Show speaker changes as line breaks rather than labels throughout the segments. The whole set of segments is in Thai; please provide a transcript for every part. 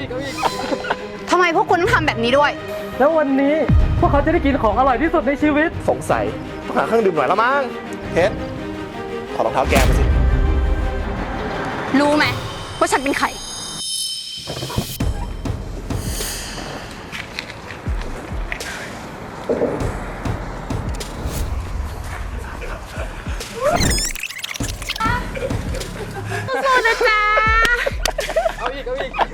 ทำไมพวกคุณต้องทำแบบนี้ด้วย
แล้ววันนี้พวกเขาจะได้กินของอร่อยที่สุดในชีวิต
สงสัยต้องหาเครื่องดื่มหน่อยละมั้งเฮ็ดถอดรองเท้าแกมาสิ
รู้ไหมว่าฉันเป็นใคร สู้ๆนะจ๊ะ
เอาอีก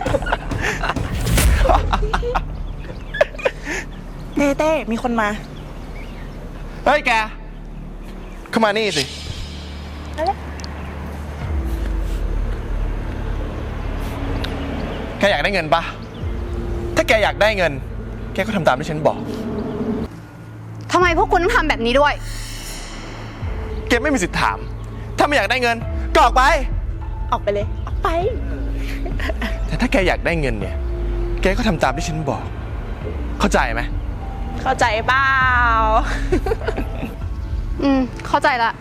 เต้มีคนมา
เฮ้ยแก เข้ามานี่สิแกอยากได้เงินปะถ้าแกอยากได้เงิน แกก็ทำตามที่ฉันบอก
ทำไมพวกคุณต้องทำแบบนี้ด้วย
แกไม่มีสิทธิ์ถาม ถ้าไม่อยากได้เงินก็ออกไป
ออกไปเลย ออกไป
แต่ถ้าแกอยากได้เงินเนี่ย แกก็ทำตามที่ฉันบอก เข้าใจไหม
เข้าใจเปล่า
เข้าใจละ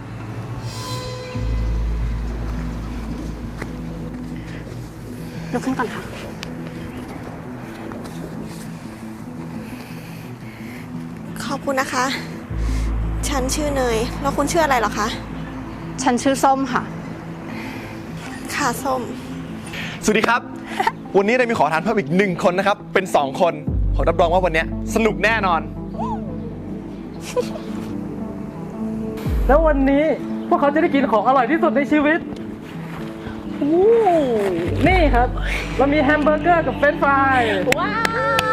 ลุกขึ้นก่อนค่ะ
ขอบคุณนะคะ ฉันชื่อเนย แล้วคุณชื่ออะไรเหรอคะ
ฉันชื่อส้มค่ะ
ค่ะส้ม
สวัสดีครับ วันนี้เรามีขอทานเพิ่มอีก1 คนนะครับ เป็น 2 คนผมรับรองว่าวันนี้สนุกแน่นอน
แล้ววันนี้พวกเขาจะได้กินของอร่อยที่สุดในชีวิตนี่ครับ เรามีแฮมเบอร์เกอร์กับเฟรนช์ฟราย
ว้าว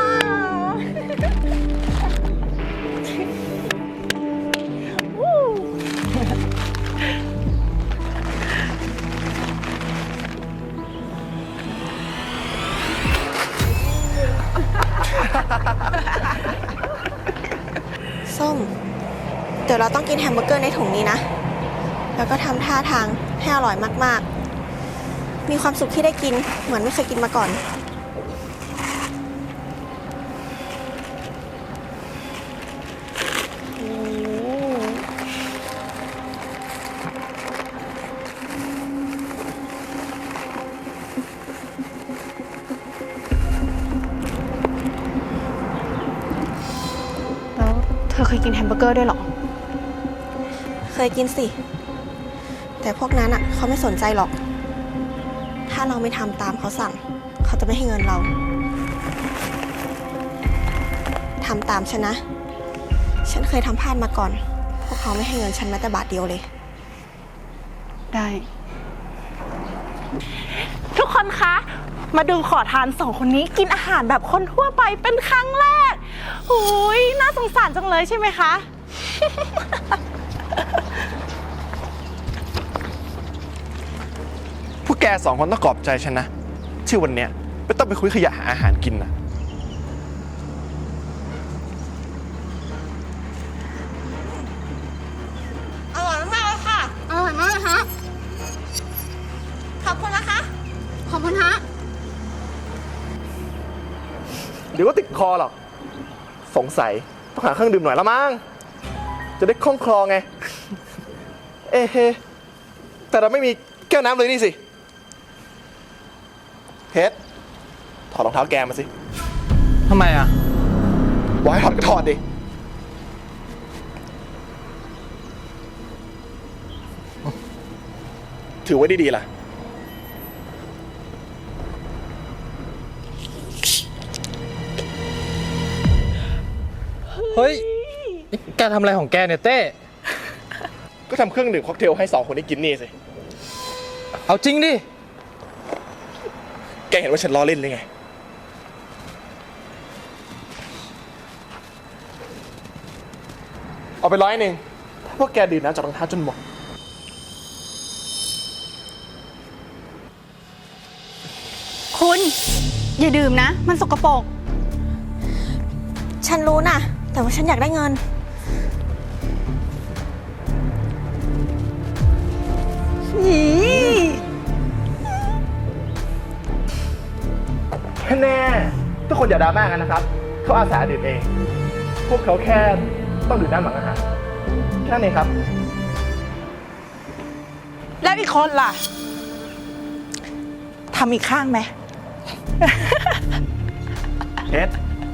ส้ม เดี๋ยวเราต้องกินแฮมเบอร์เกอร์ในถุงนี้นะ แล้วก็ทำท่าทางให้อร่อยมากๆ มีความสุขที่ได้กิน เหมือนไม่เคยกินมาก่อน
แล้วเธอเคยกินแฮมเบอร์เกอร์ด้วยเหรอ
เคยกินสิ แต่พวกนั้นอ่ะเขาไม่สนใจหรอก ถ้าเราไม่ทำตามเขาสั่ง เขาจะไม่ให้เงินเรา ทำตามฉันนะ ฉันเคยทำพลาดมาก่อน พวกเขาไม่ให้เงินฉันแม้แต่บาทเดียวเลย
ได้
ทุกคนคะ มาดูขอทาน2 คนนี้กินอาหารแบบคนทั่วไปเป็นครั้งแรกหูยน่าสงสารจังเลยใช่ไหมคะ
พวกแก2 คนต้องขอบใจฉันนะที่วันเนี้ยไม่ต้องไปคุยขยะหาอาหารกินนะ
อร่อยมากเลยค่ะ
อร่อยมากเลยฮะ
ขอบคุณนะคะ
ขอบคุณฮะ
เดี๋ยวก็ติดคอหรอก สงสัยต้องหาเครื่องดื่มหน่อยละมั้งจะได้คล่องคลอไง เอ๊ะแต่เราไม่มีแก้วน้ำเลยนี่สิเฮ็ดถอดรองเท้าแกมาสิ
ทำไมอ่ะ
บอกให้ถอดก็ถอดดิ ถือไว้ดีๆล่ะ
เฮ้ยนี่แกทำอะไรของแกเนี่ยเต้
ก็ทำเครื่องดื่มค็อกเทลให้2 คนได้กินนี่สิ
เอาจริงดิ
แกเห็นว่าฉันล้อเล่นหรือไง เอาไป100ถ้าพวกแกดื่มน้ำจากรองเท้าจนหมด
คุณ อย่าดื่มนะ มันสกปรก
ฉันรู้นะแต่ว่าฉันอยากได้เงิน
แน่ทุกคนอย่าดราม่ากันนะครับ เขาอาสาดื่มเอง พวกเขาแค่ต้องดื่มน้ำหลังอาหารแค่นี้ครับ
แล้วอีกคนล่ะทำอีกข้างไหม
เอ็ด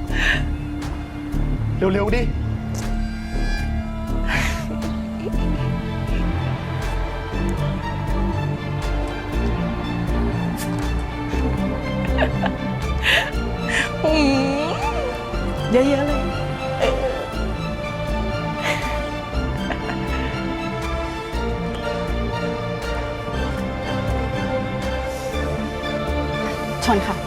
เร็วๆดิ
เยอะๆเลย
ชนค่ะ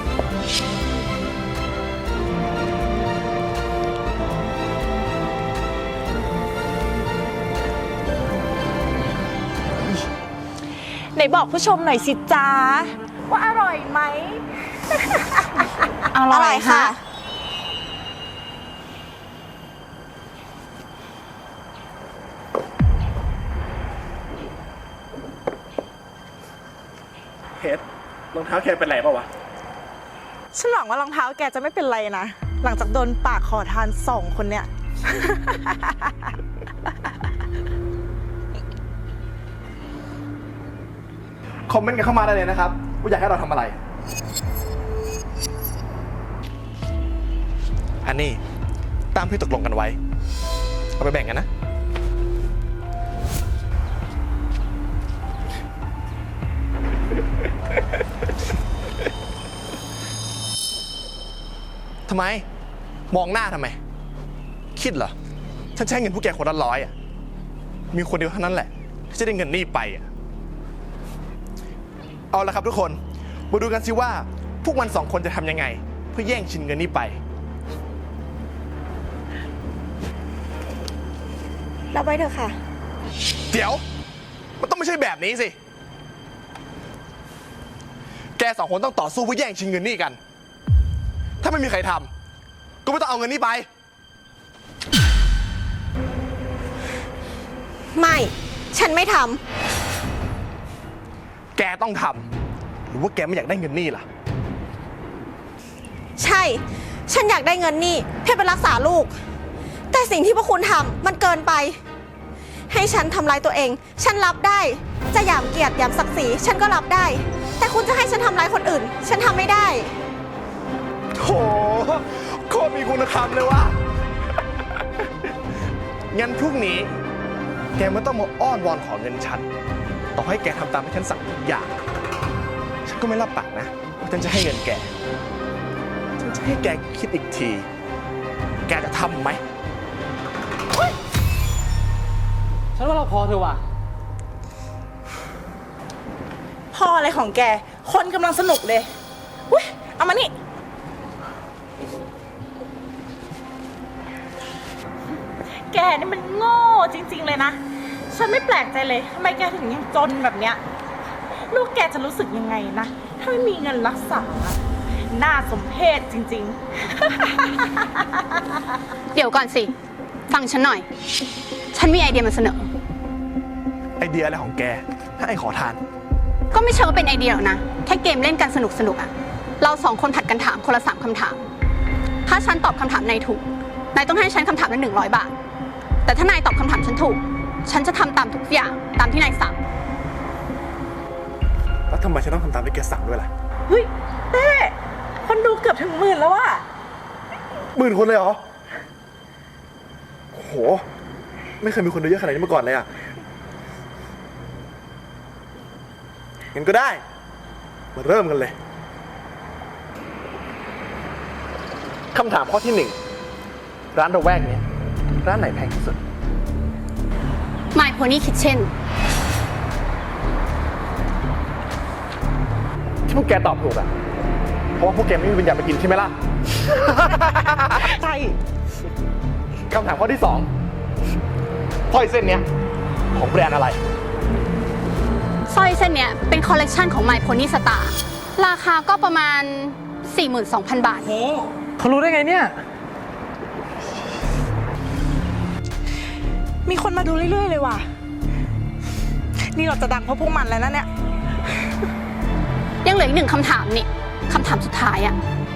ไหนบอกผู้ชมหน่อยสิจ้าว่าอร่อยไหม
อ
อ
ร่
ร่
อ
อย ย
ค่ะ
ค่ะ
เฮ็ดรองเท้าแกเป็นไรเปล่าวะ
ฉันหวังว่ารองเท้าแกจะไม่เป็นไรนะ หลังจากโดนปากขอทาน2 คนเนี่ย
คอมเมนต์กันเข้ามาได้เลยนะครับว่าอยากให้เราทำอะไร อันนี้ตามที่ตกลงกันไว้ เอาไปแบ่งกันนะ ทำไม มองหน้าทำไม คิดเหรอ ฉันใช้เงินพวกแกคนละ100อ่ะ มีคนเดียวเท่านั้นแหละที่จะได้เงินนี่ไปอ่ะ เอาละครับทุกคน มาดูกันสิว่า พวกมัน2 คนจะทำยังไง เพื่อแย่งชิงเงินนี้ไป
รับไว้เถอะค่ะ
เดี๋ยว มันต้องไม่ใช่แบบนี้สิ แก2 คนต้องต่อสู้เพื่อแย่งชิงเงินนี่กัน ถ้าไม่มีใครทำก็ไม่ต้องเอาเงินนี้ไป
ไม่ ฉันไม่ท
แกต้องทำ หรือว่าแกไม่อยากได้เงินนี่ล่ะ
ำ ใช่ ฉันอยากได้เงินนี่เพื่อไปรักษาลูก แต่สิ่งที่พวกคุณทำมันเกินไป ให้ฉันทำร้ายตัวเอง ฉันรับได้ จะหยามเกียรติหยามศักดิ์ศรีฉันก็รับได้ แต่คุณจะให้ฉันทำร้ายคนอื่น ฉันทำไม่ได้
โหโคตรมีคุณธรรมเลยว่ะ งั้นพรุ่งนี้ แกไม่ต้องมาอ้อนวอนขอเงินฉัน ต่อให้แกทำตามที่ฉันสั่งทุกอย่าง ฉันก็ไม่รับปากนะว่าฉันจะให้เงินแก ฉันจะให้แกคิดอีกที แกจะทำไหม
ฉันว่าเราพอเถอะว่ะ
พออะไรของแก คนกำลังสนุกเลยอุ้ยเอามานี่ แกนี่มันโง่จริง ๆ เลยนะ ฉันไม่แปลกใจเลยทำไมแกถึงยังจนแบบเนี้ย ลูกแกจะรู้สึกยังไงนะ ถ้าไม่มีเงินรักษา น่าสมเพชจริง
เดี๋ยวก่อนสิ ฟังฉันหน่อย ฉันมีไอเดียมาเสนอ
ไอเดียอะไรของแก ถ้าไอขอทาน
ก็ไม่เชิงว่าเป็นไอเดียหรอกนะ แค่เกมเล่นกันสนุกๆอ่ะ เรา2 คนผัดกันถามคนละ3 คำถาม ถ้าฉันตอบคำถามนายถูก นายต้องให้ฉันคำถามละ100 บาท แต่ถ้านายตอบคำถามฉันถูก ฉันจะทำตามทุกอย่างตามที่นายสั่ง
แล้วทำไมฉันต้องทำตามที่แกสั่งด้วยล่ะ
ๆ เฮ้ยเต้คนดูเกือบถึง10,000แล้วว่ะ
10,000 คนเลยเหรอ โห ไม่เคยมีคนดูเยอะขนาดนี้มาก่อนเลยอ่ะ งั้นก็ได้ มาเริ่มกันเลย คำถามข้อที่ 1 ร้านระแวกนี้ ร้านไหนแพงที่สุด
My Pony Kitchen
ที่พวกแกตอบถูกอ่ะ เพราะว่าพวกแกไม่มีปัญญาไปกินใช่ไหมล่ะ
ใช่
คำถามข้อที่ 2สร้อยเส้นเนี้ยของแบรนด์อะไร
สร้อยเส้นเนี้ยเป็นคอลเลกชันของ My Pony Star ราคาก็ประมาณ 42,000 บาท
โห เขารู้ได้ไงเนี่ย
มีคนมาดูเรื่อยๆเลยว่ะ นี่เราจะดังเพราะพวกมันแล้วนะเนี่ย
ยังเหลืออีก1 คำถามนี่ คำถามสุดท้ายอ่ะ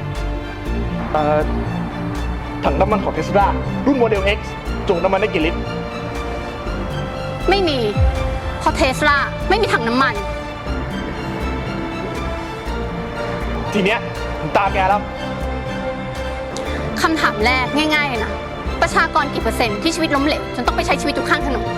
ถังน้ำมันของเทสลารุ่นโมเดล X จุน้ำมันได้กี่ลิตร
ไม่มี เพราะเทสลาไม่มีถังน้ำมัน
ทีเนี้ยถึงตาแกแล้ว
คำถามแรกง่ายๆเลยนะ ประชากรกี่เปอร์เซ็นต์ที่ชีวิตล้มเหลวจนต้องไปใช้ชีวิตอยู่ข้างถนน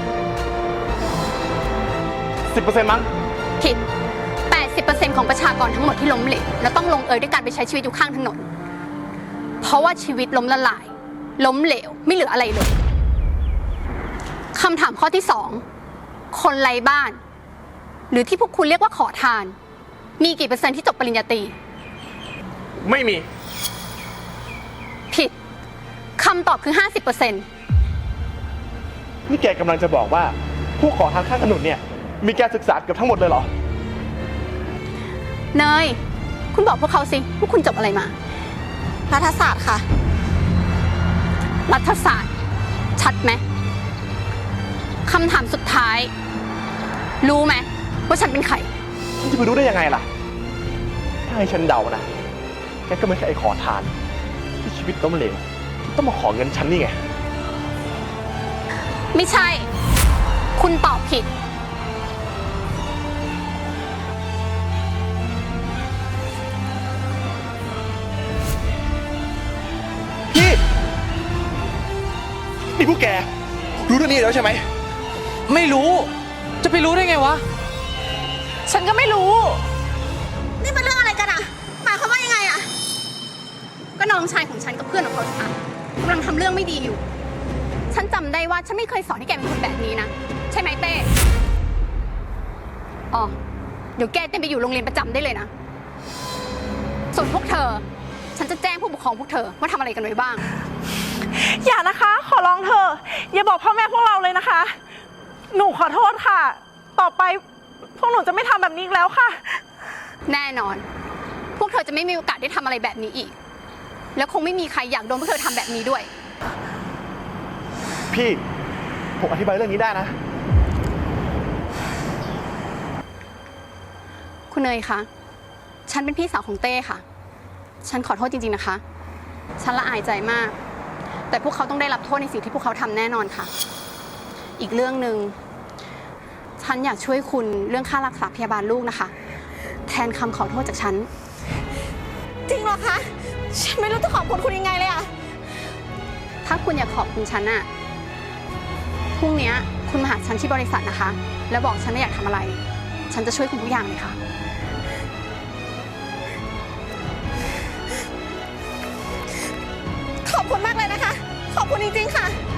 10%มั้ง
ผิด 80% ของประชากรทั้งหมดที่ล้มเหลวแล้วต้องลงเอยด้วยการไปใช้ชีวิตอยู่ข้างถนน เพราะว่าชีวิตล้มละลาย ล้มเหลวไม่เหลืออะไรเลยคำถามข้อที่ 2 คนไร้บ้าน หรือที่พวกคุณเรียกว่าขอทาน มีกี่เปอร์เซ็นต์ที่จบปริญญาตรี
ไม่มี
ผิดคำตอบคือ 50%
นี่แกกำลังจะบอกว่าผู้ขอทานข้างถนนเนี่ย มีการศึกษาเกือบทั้งหมดเลยเหรอ
เนย คุณบอกพวกเขาสิว่าคุณจบอะไรมา
รัฐศาสตร์ค่ะ
รัฐศาสตร์ ชัดไหมคำถามสุดท้าย รู้ไหมว่าฉันเป็นใคร
ฉันจะไปรู้ได้ยังไงล่ะ ถ้าให้ฉันเดานะ แกก็ไม่ใช่ไอ้ขอทาน ที่ชีวิตล้มเหลวที่ต้องมาขอเงินฉันนี่ไง
ไม่ใช่ คุณตอบผิด
พี่ นี่พวกแก รู้เรื่องนี้แล้วใช่ไหม
ไม่รู้ จะไปรู้ได้ไงวะ
ฉันก็ไม่รู้
นี่เป็นเรื่องอะไรกันอะหมายความว่ายังไงอะ
ก็น้องชายของฉันกับเพื่อนของเขาค่ะกำลังทำเรื่องไม่ดีอยู่ ฉันจำได้ว่าฉันไม่เคยสอนให้แกเป็นคนแบบนี้นะ ใช่ไหมเต้อ๋อ เดี๋ยวแกเต้นไปอยู่โรงเรียนประจำได้เลยนะ ส่วนพวกเธอ ฉันจะแจ้งผู้ปกครองพวกเธอว่าทำอะไรกันไว้บ้าง
อย่านะคะ ขอร้องเธอ อย่าบอกพ่อแม่พวกเราเลยนะคะ หนูขอโทษค่ะ ต่อไปพวกหนูจะไม่ทำแบบนี้อีกแล้วค่ะ
แน่นอน พวกเธอจะไม่มีโอกาสได้ทำอะไรแบบนี้อีก แล้วคงไม่มีใครอยากโดนพวกเธอทำแบบนี้ด้วย
พี่ ผมอธิบายเรื่องนี้ได้นะ
คุณเนยคะ ฉันเป็นพี่สาวของเต้ค่ะ ฉันขอโทษจริงๆนะคะ ฉันละอายใจมาก แต่พวกเขาต้องได้รับโทษในสิ่งที่พวกเขาทำแน่นอนค่ะ อีกเรื่องหนึ่ง ฉันอยากช่วยคุณเรื่องค่ารักษาพยาบาลลูกนะคะ แทนคำขอโทษจากฉัน
จริงเหรอคะ ฉันไม่รู้จะขอบคุณคุณยังไงเลยอะ
ถ้าคุณอยากขอบคุณฉันน่ะ พรุ่งนี้คุณมาหาฉันที่บริษัทนะคะ แล้วบอกฉันว่าอยากทำอะไร ฉันจะช่วยคุณทุกอย่างเลยค่ะ
ขอบคุณมากเลยนะคะ ขอบคุณจริงๆค่ะ